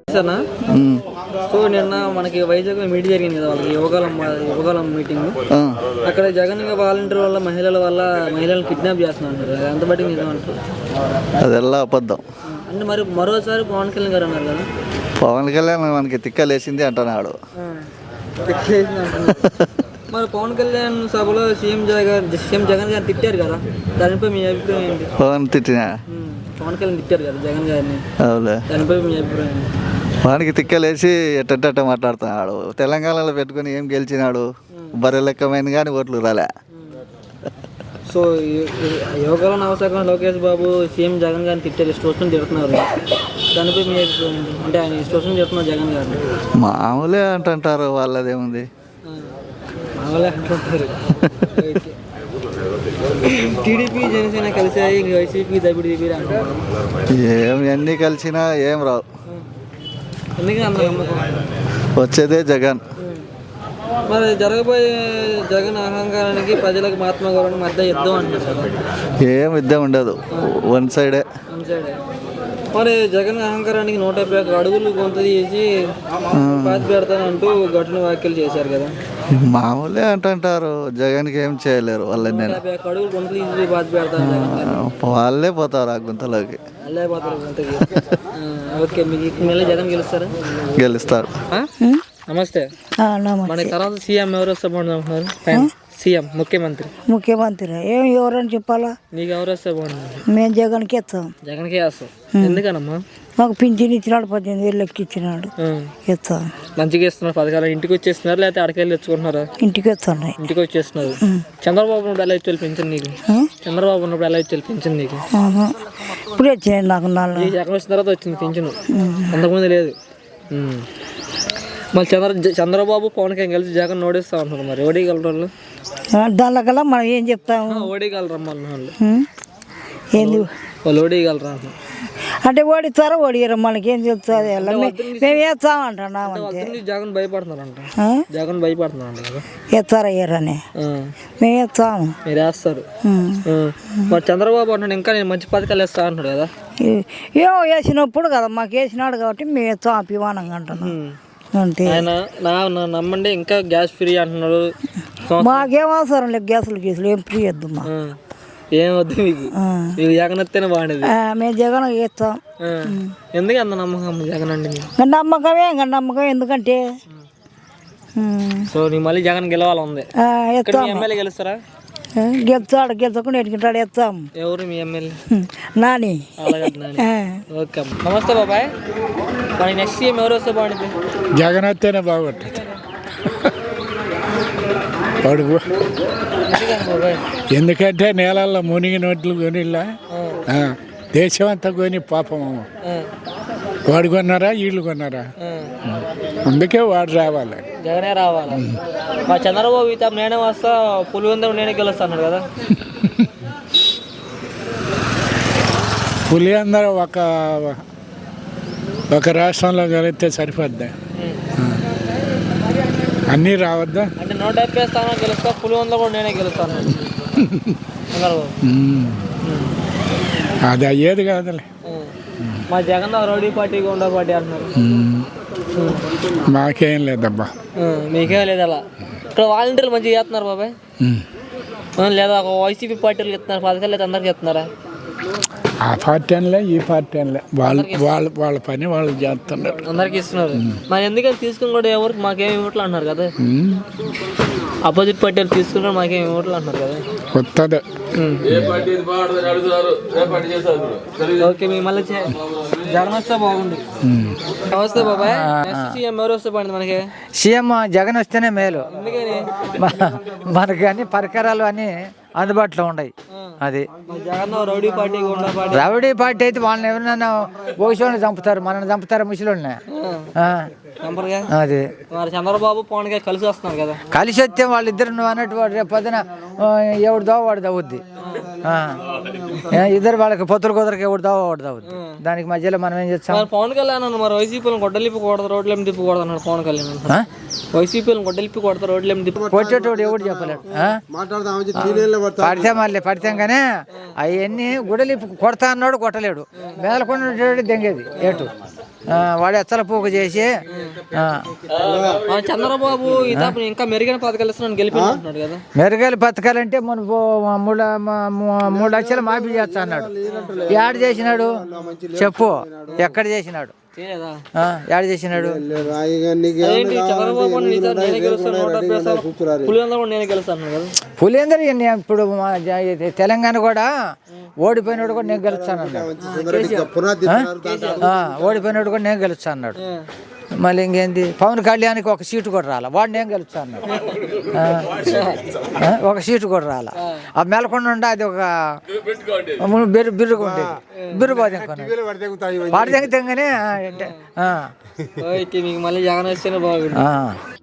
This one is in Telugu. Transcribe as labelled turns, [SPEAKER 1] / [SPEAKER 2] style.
[SPEAKER 1] సరేనా? సో నిన్న మనకి వైజాగ్ మీటింగ్ జరిగింది కదా, వాళ్ళకి యువకాలం మీటింగ్. అక్కడ జగన్ వాలంటీర్ వల్ల మహిళలను కిడ్నాప్ చేస్తున్నారు. ఎంత బట్టి నిజమంటారు?
[SPEAKER 2] అదెల్లా అబద్ధం.
[SPEAKER 1] అంటే మరి మరోసారి పవన్ కళ్యాణ్ గారు అన్నారు కదా,
[SPEAKER 2] పవన్ కళ్యాణ్ మనకి తిక్కలేసింది అంటున్నాడు.
[SPEAKER 1] మరి పవన్ కళ్యాణ్ సభలో సీఎం జగన్ గారిని తిట్టారు కదా, దానిపై మీ అభిప్రాయం ఏంటి?
[SPEAKER 2] పవన్
[SPEAKER 1] కళ్యాణ్ తిట్టారు కదా జగన్ గారిని, దానిపై మీ అభిప్రాయం ఏంటి?
[SPEAKER 2] వానికి తిక్కలేసి ఎట్ట మాట్లాడుతున్నాడు. తెలంగాణలో పెట్టుకుని ఏం గెలిచినాడు? బర్రె లెక్కమైన కానీ ఓట్లు రాలే.
[SPEAKER 1] సో యువకుల నవశాఖ లోకేష్ బాబు సీఎం జగన్ గారిని తిట్టారు, ఇష్టం తిడుతున్నారు. దానిపై మీ అభిప్రాయం ఏంటి? అంటే ఆయన ఇష్టం తిడుతున్నారు జగన్ గారిని.
[SPEAKER 2] మామూలే అంటుంటారు, వాళ్ళదేముంది,
[SPEAKER 1] మామూలే అంటుంటారు. టీడీపీ జనసేన కలిసాయి, వైసీపీ దబిడి అంటున్నారు.
[SPEAKER 2] ఎన్ని కలిసినా ఏం రావు.
[SPEAKER 1] ఎందుకని అంత నమ్మకం?
[SPEAKER 2] వచ్చేదే జగన్.
[SPEAKER 1] మరి జరగబోయే జగన్ అహంకారానికి ప్రజలకు మహాత్మా గౌరవానికి మధ్య యుద్ధం అంటున్నారు.
[SPEAKER 2] ఏం యుద్ధం ఉండదు, వన్ సైడే.
[SPEAKER 1] మరి జగన్ అహంకారానికి 151 అడుగులు కొంత తీసి పాతి పెడతానంటూ ఘటన వ్యాఖ్యలు చేశారు కదా.
[SPEAKER 2] మామూలే అంటుంటారు, జగన్కి ఏం చేయలేరు వాళ్ళని.
[SPEAKER 1] 151 అడుగులు కొంత తీసి పాతి పెడతాను,
[SPEAKER 2] వాళ్ళే పోతారు ఆ గుంతలోకి.
[SPEAKER 1] వాళ్ళే పోతారు గుంతకి. ఓకే, మీకు మళ్ళీ జగన్
[SPEAKER 2] గెలుస్తారు.
[SPEAKER 1] నమస్తే. మన తర్వాత సీఎం ఎవరు వస్తే బాగుంటుంది? సీఎం ముఖ్యమంత్రి
[SPEAKER 3] ఎవరని చెప్పాలా?
[SPEAKER 1] నీకు ఎవరు వస్తే బాగుంటుంది?
[SPEAKER 3] మేము జగన్కి ఇస్తాం.
[SPEAKER 1] జగన్కే వేస్తాం. ఎందుకనమ్మా?
[SPEAKER 3] మాకు పింఛన్ ఇచ్చినాడు, 18,000 లెక్క ఇచ్చినాడు, ఇస్తాం.
[SPEAKER 1] మంచిగా ఇస్తున్నారు పథకాలు. ఇంటికి వచ్చేస్తున్నారు లేకపోతే అడకెళ్ళి తెచ్చుకుంటున్నారా?
[SPEAKER 3] ఇంటికి వస్తున్నాయి.
[SPEAKER 1] ఇంటికి వచ్చేస్తున్నారు. చంద్రబాబు ఉన్నప్పుడు ఎలా ఇచ్చి పెంచింది నీకు? చంద్రబాబు ఉన్నప్పుడు ఎలా ఇచ్చి పెంచింది నీకు?
[SPEAKER 3] ఇప్పుడు వచ్చినాయి నాకు.
[SPEAKER 1] జగన్ వచ్చిన తర్వాత వచ్చింది పింఛను, అంతకుముందు లేదు. మళ్ళీ చంద్రబాబు పవన్ కళ్యాణ్ కలిసి జగన్ ఓడిస్తా ఉంటున్నారు. మరి ఓడిగలరు
[SPEAKER 3] దానికల్లా మనం ఏం చెప్తాము?
[SPEAKER 1] ఓడిగలరమ్మా వాళ్ళు.
[SPEAKER 3] ఏంది
[SPEAKER 1] వాళ్ళు ఓడిగలరా
[SPEAKER 3] అంటే ఓడిస్తారా ఓడియరా మనకేం చెప్తుంది? మేము వేస్తాం అంటున్నాం.
[SPEAKER 1] జగన్ భయపడుతున్నారంట. జగన్ భయపడుతున్నారంట కదా,
[SPEAKER 3] వేస్తారా వేయరని. మేము వేస్తాము.
[SPEAKER 1] మీరు వేస్తారు. మరి చంద్రబాబు అంటున్నాడు ఇంకా నేను మంచి పథకాలు వేస్తా అంటున్నాడు కదా.
[SPEAKER 3] ఏమో వేసినప్పుడు కదా మాకు వేసినాడు కాబట్టి మేము వేస్తాం అభిమానంగా అంటున్నాం అంతే.
[SPEAKER 1] ఆయన నమ్మండి ఇంకా గ్యాస్ ఫ్రీ అంటున్నాడు.
[SPEAKER 3] మాకేం అవసరం లేదు గ్యాసులు ఏం ఫ్రీ వద్దు మా.
[SPEAKER 1] ఏం వద్దు మీకు, మీకు జగన్ వస్తేనే బాగుండేది.
[SPEAKER 3] మేము జగన్ వేస్తాం.
[SPEAKER 1] ఎందుకు అంత నమ్మకం జగన్ అండి?
[SPEAKER 3] నమ్మకమే నమ్మకం. ఎందుకంటే
[SPEAKER 1] సో నీ మళ్ళీ జగన్ గెలవాలి ఉంది. ఎమ్మెల్యే గెలుస్తారా?
[SPEAKER 3] గెలుచకుండా ఎట్టుకుంటాడు వేస్తాం.
[SPEAKER 1] ఎవరు మీ ఎమ్మెల్యే?
[SPEAKER 3] నాని.
[SPEAKER 1] ఓకే, నమస్తే బాబాయ్. మరి నెక్స్ట్ సీఎం ఎవరు వస్తే బాగుంటుంది?
[SPEAKER 4] జగన్ వస్తేనే బాగుంటుంది. ఎందుకంటే నేలల్లో మునిగి నోట్లు కొనిలా, దేశం అంతా కొని పాపం. వాడు కొన్నారా వీళ్ళు కొన్నారా? అందుకే వాడు రావాలి,
[SPEAKER 1] జగనే రావాలి. మా చంద్రబాబు ఇత నేనే వస్తా, పులివెందులు నేనే గెలుస్తాను కదా.
[SPEAKER 4] పులివెందులు ఒక రాష్ట్రంలో కలిగితే సరిపోద్దా? అన్నీ రావద్దా?
[SPEAKER 1] అంటే 150 స్థానాలు గెలుస్తా, పులివెందులు కూడా నేనే గెలుస్తాను.
[SPEAKER 4] అది అయ్యేది కాదులే.
[SPEAKER 1] మా Jagan rowdy party goonda party అంటున్నారు.
[SPEAKER 4] మాకేం లేదబ్బా.
[SPEAKER 1] మీకేం లేదు అలా. ఇక్కడ వాలంటీర్లు మంచిగా చేస్తున్నారు బాబాయ్, లేదా ఒక వైసీపీ పార్టీలు చెప్తున్నారు పథకాలు, లేదా అందరికి చెప్తున్నారా?
[SPEAKER 4] ఆ పార్టీ అనలే ఈ పార్టీ అనలే, వాళ్ళ పని వాళ్ళు చేస్తున్నారు,
[SPEAKER 1] అందరికి ఇస్తున్నారు. మరి ఎందుకని తీసుకుని కూడా ఎవరికి మాకేమి ఇవ్వట్లు అంటున్నారు కదా. అపోజిట్ పార్టీలు తీసుకున్నారు మాకేమి ఇవ్వట్లు అంటున్నారు కదా.
[SPEAKER 4] వస్తుంది.
[SPEAKER 1] ఓకే, మీ మళ్ళీ జగన్ వస్తే బాగుంది. నమస్తే బాబాయ్. సీఎం ఎవరు వస్తే బాగుంది మనకి?
[SPEAKER 5] సీఎం జగన్ వస్తేనే మేలు.
[SPEAKER 1] ఎందుకని?
[SPEAKER 5] మనకి అన్ని పరికరాలు అన్ని అందుబాటులో ఉన్నాయి. అది
[SPEAKER 1] రౌడీ పార్టీ
[SPEAKER 5] రౌడీ పార్టీ అయితే వాళ్ళని ఎవరినైనా ఓషోని చంపుతారు, మనల్ని చంపుతారు ముసలిని. అది
[SPEAKER 1] చంద్రబాబు పవన్ గారు కలిసి వస్తున్నారు కదా.
[SPEAKER 5] కలిసి వస్తే వాళ్ళిద్దరు నువ్వు అన్నట్టు రేపు పొద్దున ఎవడు దావ వాడు దవ్వుద్ది. ఇద్దరు వాళ్ళకి పొత్తులు కుదరకి ఎవడు దావ వాడు దవ్వుద్ది. దానికి మధ్యలో మనం ఏం చేస్తాం?
[SPEAKER 1] పవన్ కళ్యాణ్ మరి వైసీపీలను గొడ్డలిప్పకూడదు, రోడ్లేమి తిప్పకూడదు అన్నాడు పవన్ కళ్యాణ్. వైసీపీలను గొడ్డలిప్పి కొడతారు, రోడ్లేమి తిప్పి
[SPEAKER 5] కొట్టేటోడు ఎవడు చెప్పలేడు. పడితే కానీ అవన్నీ గుడలిప్పి కొడతా అన్నాడు, కొట్టలేడు. మేలకొండ దెంగేది ఏటు. వాడు ఎచ్చల పూక చేసి
[SPEAKER 1] చంద్రబాబు ఇతను ఇంకా మెరుగైన పథకాలు ఇస్తున్నాను గెలిపించుకుంటున్నాడు కదా.
[SPEAKER 5] మెరుగైన పథకాలంటే మన 3 లక్షలు మాఫీ చేస్తా అన్నాడు. యాడ్ చేసినాడు చెప్పు, ఎక్కడ చేసినాడు?
[SPEAKER 1] చేయలేదా?
[SPEAKER 5] యాడ్ చేసినాడు.
[SPEAKER 1] అదేంటి చంద్రబాబు నేనే గెలుస్తాను, 170 వేస్తాను, పులివెందుల కూడా నేనే గెలుస్తాను కదా.
[SPEAKER 5] పులిందరు ఇప్పుడు తెలంగాణ కూడా ఓడిపోయినాడు కూడా నేను గెలుస్తాను అన్నాడు. ఓడిపోయినాడు కూడా నేను గెలుస్తాను అన్నాడు. మళ్ళీ ఇంకేంది, పవన్ కళ్యాణ్కి ఒక సీటు కూడా రాలా, వాడు నేను గెలుస్తాను అన్నాడు. ఒక సీటు కూడా రాలా. ఆ మెలకొండ ఉండే అది ఒక బిర్రుగా ఉండేది, బిర్రుబాద్ వాడి తెంగనే
[SPEAKER 1] మీకు మళ్ళీ జగన్ వస్తేనే బాగుంది.